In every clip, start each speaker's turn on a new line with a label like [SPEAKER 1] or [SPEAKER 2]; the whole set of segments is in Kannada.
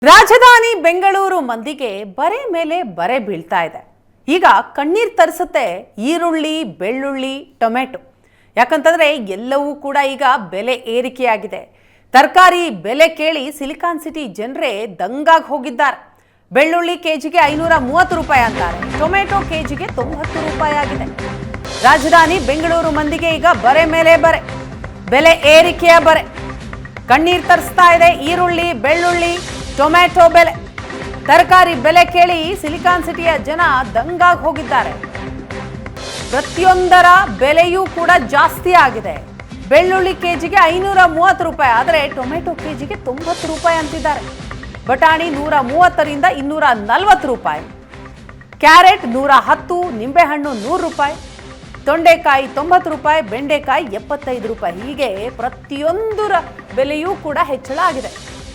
[SPEAKER 1] ರಾಜಧಾನಿ ಬೆಂಗಳೂರು ಮಂದಿಗೆ ಬರೆ ಮೇಲೆ ಬರೆ ಬೀಳ್ತಾ ಇದೆ. ಈಗ ಕಣ್ಣೀರ್ ತರಿಸುತ್ತೆ ಈರುಳ್ಳಿ, ಬೆಳ್ಳುಳ್ಳಿ, ಟೊಮೆಟೊ. ಯಾಕಂತಂದ್ರೆ ಎಲ್ಲವೂ ಕೂಡ ಈಗ ಬೆಲೆ ಏರಿಕೆಯಾಗಿದೆ. ತರಕಾರಿ ಬೆಲೆ ಕೇಳಿ ಸಿಲಿಕಾನ್ ಸಿಟಿ ಜನರೇ ದಂಗಾಗಿ ಹೋಗಿದ್ದಾರೆ. ಬೆಳ್ಳುಳ್ಳಿ ಕೆಜಿಗೆ 530 ರೂಪಾಯಿ ಅಂತಾರೆ. ಟೊಮೆಟೊ ಕೆಜಿಗೆ 90 ರೂಪಾಯಿ ಆಗಿದೆ. ರಾಜಧಾನಿ ಬೆಂಗಳೂರು ಮಂದಿಗೆ ಈಗ ಬರೆ ಮೇಲೆ ಬರೆ, ಬೆಲೆ ಏರಿಕೆಯ ಬರೆ. ಕಣ್ಣೀರ್ ತರಿಸ್ತಾ ಇದೆ ಈರುಳ್ಳಿ, ಬೆಳ್ಳುಳ್ಳಿ, ಟೊಮೆಟೊ ಬೆಲೆ. ತರಕಾರಿ ಬೆಲೆ ಕೇಳಿ ಸಿಲಿಕಾನ್ ಸಿಟಿಯ ಜನ ದಂಗಾಗಿ ಹೋಗಿದ್ದಾರೆ. ಪ್ರತಿಯೊಂದರ ಬೆಲೆಯೂ ಕೂಡ ಜಾಸ್ತಿ ಆಗಿದೆ. ಬೆಳ್ಳುಳ್ಳಿ ಕೆಜಿಗೆ 530 ರೂಪಾಯಿ ಆದರೆ ಟೊಮೆಟೊ ಕೆಜಿಗೆ 90 ರೂಪಾಯಿ ಅಂತಿದ್ದಾರೆ. ಬಟಾಣಿ 130ರಿಂದ 240 ರೂಪಾಯಿ, ಕ್ಯಾರೆಟ್ 110, ನಿಂಬೆಹಣ್ಣು 100 ರೂಪಾಯಿ, ತೊಂಡೆಕಾಯಿ 90 ರೂಪಾಯಿ, ಬೆಂಡೆಕಾಯಿ 75 ರೂಪಾಯಿ. ಹೀಗೆ ಪ್ರತಿಯೊಂದರ ಬೆಲೆಯೂ ಕೂಡ ಹೆಚ್ಚಳ ಆಗಿದೆ.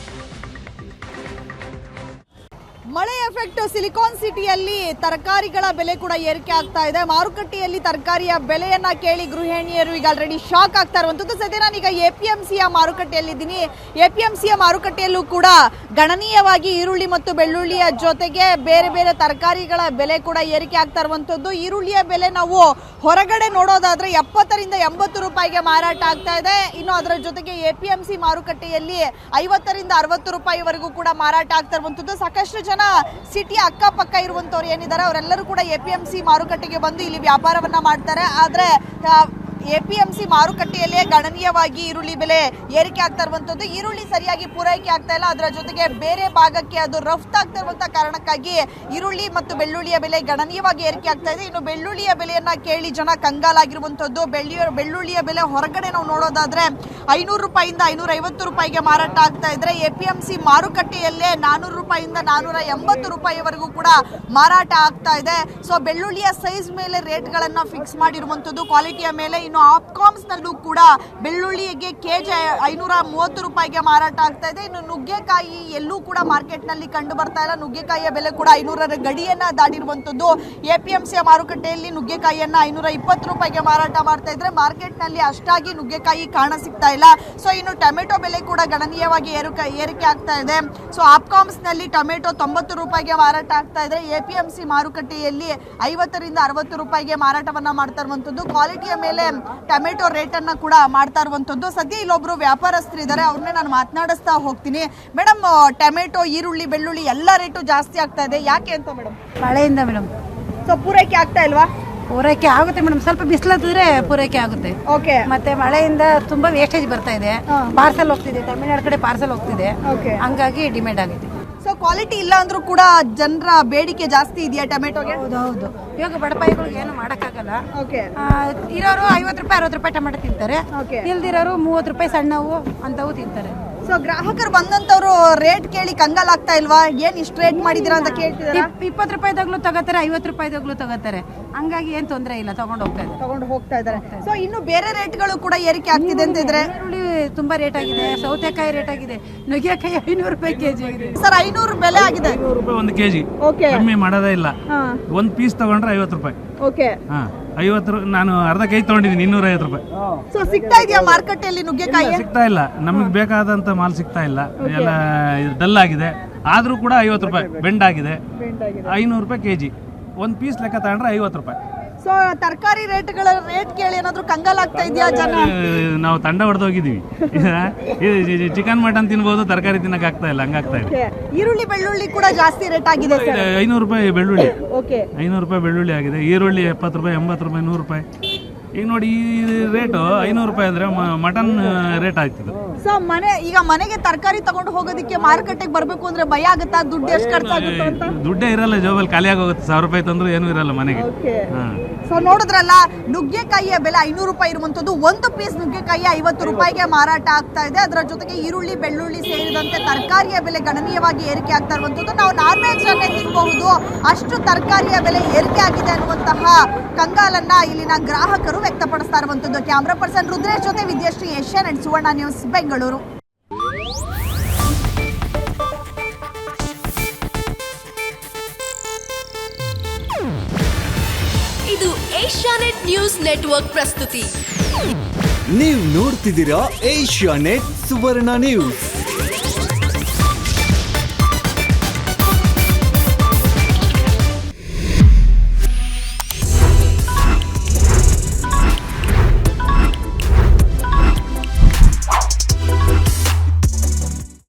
[SPEAKER 2] ಮಳೆ ಎಫೆಕ್ಟ್ ಸಿಲಿಕಾನ್ ಸಿಟಿಯಲ್ಲಿ ತರಕಾರಿಗಳ ಬೆಲೆ ಕೂಡ ಏರಿಕೆ ಆಗ್ತಾ ಇದೆ. ಮಾರುಕಟ್ಟೆಯಲ್ಲಿ ತರಕಾರಿಯ ಬೆಲೆಯನ್ನ ಕೇಳಿ ಗೃಹಿಣಿಯರು ಈಗ ಆಲ್ರೆಡಿ ಶಾಕ್ ಆಗ್ತಾ ಇರುವಂತದ್ದು. ಸದ್ಯ ನಾನೀಗ ಎಪಿಎಂಸಿಯ ಮಾರುಕಟ್ಟೆಯಲ್ಲಿದ್ದೀನಿ. ಎಪಿಎಂಸಿಯ ಮಾರುಕಟ್ಟೆಯಲ್ಲೂ ಕೂಡ ಗಣನೀಯವಾಗಿ ಈರುಳ್ಳಿ ಮತ್ತು ಬೆಳ್ಳುಳ್ಳಿಯ ಜೊತೆಗೆ ಬೇರೆ ಬೇರೆ ತರಕಾರಿಗಳ ಬೆಲೆ ಕೂಡ ಏರಿಕೆ ಆಗ್ತಾ ಇರುವಂತದ್ದು. ಈರುಳ್ಳಿಯ ಬೆಲೆ ನಾವು ಹೊರಗಡೆ ನೋಡೋದಾದ್ರೆ 70ರಿಂದ 80 ರೂಪಾಯಿಗೆ ಮಾರಾಟ ಆಗ್ತಾ ಇದೆ. ಇನ್ನು ಅದರ ಜೊತೆಗೆ ಎಪಿಎಂಸಿ ಮಾರುಕಟ್ಟೆಯಲ್ಲಿ 50ರಿಂದ 60 ರೂಪಾಯಿವರೆಗೂ ಕೂಡ ಮಾರಾಟ ಆಗ್ತಾ ಇರುವಂತದ್ದು. ಸಾಕಷ್ಟು ಜನ ಸಿಟಿಯ ಅಕ್ಕಪಕ್ಕ ಇರುವಂತವ್ರು ಏನಿದ್ದಾರೆ ಅವರೆಲ್ಲರೂ ಕೂಡ ಎಪಿಎಂಸಿ ಮಾರುಕಟ್ಟೆಗೆ ಬಂದು ಇಲ್ಲಿ ವ್ಯಾಪಾರವನ್ನ ಮಾಡ್ತಾರೆ. ಆದ್ರೆ ಎಪಿಎಂಸಿ ಮಾರುಕಟ್ಟೆಯಲ್ಲೇ ಗಣನೀಯವಾಗಿ ಈರುಳ್ಳಿ ಬೆಲೆ ಏರಿಕೆ ಆಗ್ತಾ ಇರುವಂತದ್ದು. ಈರುಳ್ಳಿ ಸರಿಯಾಗಿ ಪೂರೈಕೆ ಆಗ್ತಾ ಇಲ್ಲ, ಅದರ ಜೊತೆಗೆ ಬೇರೆ ಭಾಗಕ್ಕೆ ಅದು ರಫ್ತಾಗ್ತಾ ಇರುವಂತಹ ಕಾರಣಕ್ಕಾಗಿ ಈರುಳ್ಳಿ ಮತ್ತು ಬೆಳ್ಳುಳ್ಳಿಯ ಬೆಲೆ ಗಣನೀಯವಾಗಿ ಏರಿಕೆ ಆಗ್ತಾ ಇದೆ. ಇನ್ನು ಬೆಳ್ಳುಳ್ಳಿಯ ಬೆಲೆಯನ್ನ ಕೇಳಿ ಜನ ಕಂಗಾಲಾಗಿರುವಂತದ್ದು. ಬೆಳ್ಳುಳ್ಳಿಯ ಬೆಲೆ ಹೊರಗಡೆ ನಾವು ನೋಡೋದಾದ್ರೆ 500 ರೂಪಾಯಿಂದ 550 ರೂಪಾಯಿಗೆ ಮಾರಾಟ ಆಗ್ತಾ ಇದ್ರೆ ಎಪಿಎಂಸಿ ಮಾರುಕಟ್ಟೆಯಲ್ಲೇ 400 ರೂಪಾಯಿಂದ 480 ರೂಪಾಯಿವರೆಗೂ ಕೂಡ ಮಾರಾಟ ಆಗ್ತಾ ಇದೆ. ಸೊ ಬೆಳ್ಳುಳ್ಳಿಯ ಸೈಜ್ ಮೇಲೆ ರೇಟ್ಗಳನ್ನ ಫಿಕ್ಸ್ ಮಾಡಿರುವಂತದ್ದು, ಕ್ವಾಲಿಟಿಯ ಮೇಲೆ. ಇನ್ನು ಆಪ್ಕಾಮ್ಸ್ ನಲ್ಲೂ ಕೂಡ ಬೆಳ್ಳುಳ್ಳಿಗೆ ಕೆಜಿ 530 ರೂಪಾಯಿಗೆ ಮಾರಾಟ ಆಗ್ತಾ ಇದೆ. ಇನ್ನು ನುಗ್ಗೆಕಾಯಿ ಎಲ್ಲೂ ಕೂಡ ಮಾರ್ಕೆಟ್ ನಲ್ಲಿ ಕಂಡು ಬರ್ತಾ ಇಲ್ಲ. ನುಗ್ಗೆಕಾಯಿಯ ಬೆಲೆ ಕೂಡ 500ರ ಗಡಿಯನ್ನ ದಾಟಿರುವಂತದ್ದು. ಎಪಿಎಂಸಿಯ ಮಾರುಕಟ್ಟೆಯಲ್ಲಿ ನುಗ್ಗೆಕಾಯಿಯನ್ನ 520 ರೂಪಾಯಿಗೆ ಮಾರಾಟ ಮಾಡ್ತಾ ಇದ್ರೆ ಮಾರ್ಕೆಟ್ ನಲ್ಲಿ ಅಷ್ಟಾಗಿ ನುಗ್ಗೆಕಾಯಿ ಕಾಣ ಸಿಗ್ತಾ ಇಲ್ಲ. ಸೊ ಇನ್ನು ಟೊಮೆಟೊ ಬೆಲೆ ಕೂಡ ಗಣನೀಯವಾಗಿ ಏರಿಕೆ ಆಗ್ತಾ ಇದೆ. ಸೊ ಆಪ್ಕಾಮ್ಸ್ ನಲ್ಲಿ ಟೊಮೆಟೊ 90 ರೂಪಾಯಿಗೆ ಮಾರಾಟ ಆಗ್ತಾ ಇದ್ರೆ ಎಪಿಎಂಸಿ ಮಾರುಕಟ್ಟೆಯಲ್ಲಿ 50ರಿಂದ 60 ರೂಪಾಯಿಗೆ ಮಾರಾಟವನ್ನ ಮಾಡ್ತಾ ಇರುವಂತದ್ದು. ಕ್ವಾಲಿಟಿಯ ಮೇಲೆ ಟೊಮೆಟೊ ರೇಟ್ ಅನ್ನ ಕೂಡ ಮಾಡ್ತಾ ಇರುವಂತದ್ದು. ಸದ್ಯ ಇಲ್ಲೊಬ್ರು ವ್ಯಾಪಾರಸ್ಥರು ಇದ್ದಾರೆ, ಅವ್ರನ್ನೇ ನಾನು ಮಾತನಾಡಿಸ್ತಾ ಹೋಗ್ತೀನಿ. ಮೇಡಮ್, ಟೊಮೆಟೊ, ಈರುಳ್ಳಿ, ಬೆಳ್ಳುಳ್ಳಿ ಎಲ್ಲ ರೇಟು ಜಾಸ್ತಿ ಆಗ್ತಾ ಇದೆ, ಯಾಕೆ ಅಂತ ಮೇಡಮ್?
[SPEAKER 3] ಮಳೆಯಿಂದ ಮೇಡಮ್.
[SPEAKER 2] ಸೊ ಪೂರೈಕೆ ಆಗ್ತಾ ಇಲ್ವಾ?
[SPEAKER 3] ಪೂರೈಕೆ ಆಗುತ್ತೆ ಮೇಡಮ್, ಸ್ವಲ್ಪ ಬಿಸಿಲತ್ತಿದ್ರೆ ಪೂರೈಕೆ ಆಗುತ್ತೆ.
[SPEAKER 2] ಓಕೆ.
[SPEAKER 3] ಮತ್ತೆ ಮಳೆಯಿಂದ ತುಂಬಾ ವೇಸ್ಟೇಜ್ ಬರ್ತಾ ಇದೆ. ಪಾರ್ಸಲ್ ಹೋಗ್ತಿದೆ, ತಮಿಳ್ನಾಡು ಕಡೆ ಪಾರ್ಸಲ್ ಹೋಗ್ತಿದೆ, ಹಂಗಾಗಿ ಡಿಮ್ಯಾಂಡ್ ಆಗಿದೆ.
[SPEAKER 2] ಸೊ ಕ್ವಾಲಿಟಿ ಇಲ್ಲ ಅಂದ್ರೂ ಕೂಡ ಜನರ ಬೇಡಿಕೆ ಜಾಸ್ತಿ ಇದೆಯಾ ಟೊಮೆಟೊಗೆ?
[SPEAKER 3] ಹೌದು. ಇವಾಗ ಬಡಪಾಯಿಗಳಿಗೆ ಏನು ಮಾಡಕ್ಕಾಗಲ್ಲ.
[SPEAKER 2] ಓಕೆ.
[SPEAKER 3] ಇರೋರು 50 ರೂಪಾಯಿ 60 ರೂಪಾಯಿ ಟೊಮೆಟೊ ತಿಂತಾರೆ, ಇಲ್ದಿರೋರು 30 ರೂಪಾಯಿ ಸಣ್ಣವು ಅಂತವು ತಿಂತಾರೆ.
[SPEAKER 2] ಸೊ ಗ್ರಾಹಕರು ಬಂದಂತವ್ರು ರೇಟ್ ಕೇಳಿ ಕಂಗಾಲಾಗ್ತಾ ಇಲ್ವಾ? ಏನ್ ಇಷ್ಟು ರೇಟ್ ಮಾಡಿದಿರಾ ಅಂತ ಕೇಳ್ತಿದಾರೆ.
[SPEAKER 3] 20 ರೂಪಾಯಿದಾಗ್ಲೂ ತಗೋತಾರೆ, 50 ರೂಪಾಯಿದಾಗ್ಲೂ ತಗೋತಾರೆ, ಹಂಗಾಗಿ ಏನ್ ತೊಂದರೆ ಇಲ್ಲ, ತಗೊಂಡು ಹೋಗ್ತಾ ಇದ್ದಾರೆ.
[SPEAKER 2] ಸೊ ಇನ್ನು ಬೇರೆ ರೇಟ್ಗಳು ಕೂಡ ಏರಿಕೆ ಆಗ್ತಿದೆ ಅಂತ ಇದ್ರೆ?
[SPEAKER 3] ಈರುಳ್ಳಿ ತುಂಬಾ ರೇಟ್ ಆಗಿದೆ, ಸೌತೆಕಾಯಿ ರೇಟ್ ಆಗಿದೆ, ನುಗ್ಗೆಕಾಯಿ 500 ರೂಪಾಯಿ ಕೆಜಿ ಆಗಿದೆ
[SPEAKER 2] ಸರ್. 500 ಬೆಲೆ ಆಗಿದೆ,
[SPEAKER 4] 500 ರೂಪಾಯಿ ಒಂದು ಕೆಜಿ.
[SPEAKER 2] ಓಕೆ.
[SPEAKER 4] ಕಮ್ಮಿ ಮಾಡೋದೇ ಇಲ್ಲ. ಒಂದ್ ಪೀಸ್ ತಗೊಂಡ್ರೆ 50 ರೂಪಾಯಿ.
[SPEAKER 2] ಓಕೆ.
[SPEAKER 4] 50 ನಾನು ಅರ್ಧ ಕೆಜಿ ತಗೊಂಡಿದ್ದೀನಿ 250 ರೂಪಾಯಿ.
[SPEAKER 2] ಸೊ ಸಿಗ್ತಾ ಇದೆಯಾ ಮಾರ್ಕೆಟಲ್ಲಿ ನುಗ್ಗೆಕಾಯಿ?
[SPEAKER 4] ಸಿಗ್ತಾ ಇಲ್ಲ, ನಮಗೆ ಬೇಕಾದಂತ ಮಾಲ್ ಸಿಗ್ತಾ ಇಲ್ಲ, ಎಲ್ಲ ಡಲ್ ಆಗಿದೆ. ಆದ್ರೂ ಕೂಡ 50 ರೂಪಾಯಿ ಬೆಂಡ್ ಆಗಿದೆ. 500 ರೂಪಾಯಿ ಕೆಜಿ, ಒಂದ್ ಪೀಸ್ ಲೆಕ್ಕ ತಗೊಂಡ್ರೆ 50 ರೂಪಾಯಿ.
[SPEAKER 2] ಸೊ ತರಕಾರಿ ರೇಟ್ಗಳ ರೇಟ್ ಕೇಳಿ ಏನಾದ್ರು ಕಂಗಾಲಾಗ್ತಾ ಇದೆಯಾ ಜನ?
[SPEAKER 4] ನಾವು ತಂಡ ಹೊಡೆದೋಗಿದೀವಿ. ಚಿಕನ್ ಮಟನ್ ತಿನ್ಬಹುದು, ತರಕಾರಿ ತಿನ್ನಕ್ ಆಗ್ತಾ ಇಲ್ಲ, ಹಂಗಾಗ್ತಾ ಇದೆ.
[SPEAKER 2] ಈರುಳ್ಳಿ ಬೆಳ್ಳುಳ್ಳಿ ಕೂಡ ಜಾಸ್ತಿ ರೇಟ್ ಆಗಿದೆ.
[SPEAKER 4] 500 ರೂಪಾಯಿ ಬೆಳ್ಳುಳ್ಳಿ.
[SPEAKER 2] ಓಕೆ.
[SPEAKER 4] 500 ರೂಪಾಯಿ ಬೆಳ್ಳುಳ್ಳಿ ಆಗಿದೆ. ಈರುಳ್ಳಿ 70 ರೂಪಾಯಿ, 80 ರೂಪಾಯಿ, 100 ರೂಪಾಯಿ. ಈಗ ನೋಡಿ ಈ ರೇಟು 500 ರೂಪಾಯಿ ಅಂದ್ರೆ ಮಟನ್ ರೇಟ್ ಆಯ್ತಿದ್ದು.
[SPEAKER 2] ಸೊ ಈಗ ಮನೆಗೆ ತರಕಾರಿ ತಗೊಂಡು ಹೋಗೋದಕ್ಕೆ ಮಾರುಕಟ್ಟೆಗೆ ಬರ್ಬೇಕು ಅಂದ್ರೆ ಭಯ ಆಗುತ್ತಾ? ದುಡ್ಡು ಎಷ್ಟು ಖರ್ಚಾಗುತ್ತೆ ಅಂತ?
[SPEAKER 4] ದುಡ್ಡೇ ಇರಲ್ಲ ಜೋಬಲ್ಲಿ, ಖಾಲಿಯಾಗಿ ಹೋಗುತ್ತೆ. 1000 ರೂಪಾಯಿ ತಂದ್ರು ಏನೂ ಇರಲ್ಲ ಮನೆಗೆ.
[SPEAKER 2] ಸೊ ನೋಡಿದ್ರಲ್ಲ, ನುಗ್ಗೆಕಾಯಿಯ ಬೆಲೆ 500 ರೂಪಾಯಿ ಇರುವಂತದ್ದು. ಒಂದು ಪೀಸ್ ನುಗ್ಗೆಕಾಯಿ 50 ರೂಪಾಯಿಗೆ ಮಾರಾಟ ಆಗ್ತಾ ಇದೆ. ಅದರ ಜೊತೆಗೆ ಈರುಳ್ಳಿ, ಬೆಳ್ಳುಳ್ಳಿ ಸೇರಿದಂತೆ ತರಕಾರಿಯ ಬೆಲೆ ಗಣನೀಯವಾಗಿ ಏರಿಕೆ ಆಗ್ತಾ ಇರುವಂತದ್ದು. ನಾವು ನಾನ್ ವೆಜ್ ಅನ್ನೇ ತಿನ್ಬಹುದು, ಅಷ್ಟು ತರಕಾರಿಯ ಬೆಲೆ ಏರಿಕೆ ಆಗಿದೆ ಅನ್ನುವಂತಹ ಕಂಗಾಲನ್ನ ಇಲ್ಲಿನ ಗ್ರಾಹಕರು ವ್ಯಕ್ತಪಡಿಸ್ತಾ ಇರುವಂತದ್ದು. ಕ್ಯಾಮ್ರಾ ಪರ್ಸನ್ ರುದ್ರೇಶ್ ಜೊತೆ ವಿದ್ಯಾಶ್ರೀ, ಏಷ್ಯಾನೆಟ್ ಸುವರ್ಣ ನ್ಯೂಸ್, ಬೆಂಗಳೂರು.
[SPEAKER 5] ಇದು ಏಷ್ಯಾನೆಟ್ ನ್ಯೂಸ್ ನೆಟ್ವರ್ಕ್ ಪ್ರಸ್ತುತಿ.
[SPEAKER 6] ನೀವು ನೋಡ್ತಿದ್ದೀರಾ ಏಷ್ಯಾನೆಟ್ ಸುವರ್ಣ ನ್ಯೂಸ್.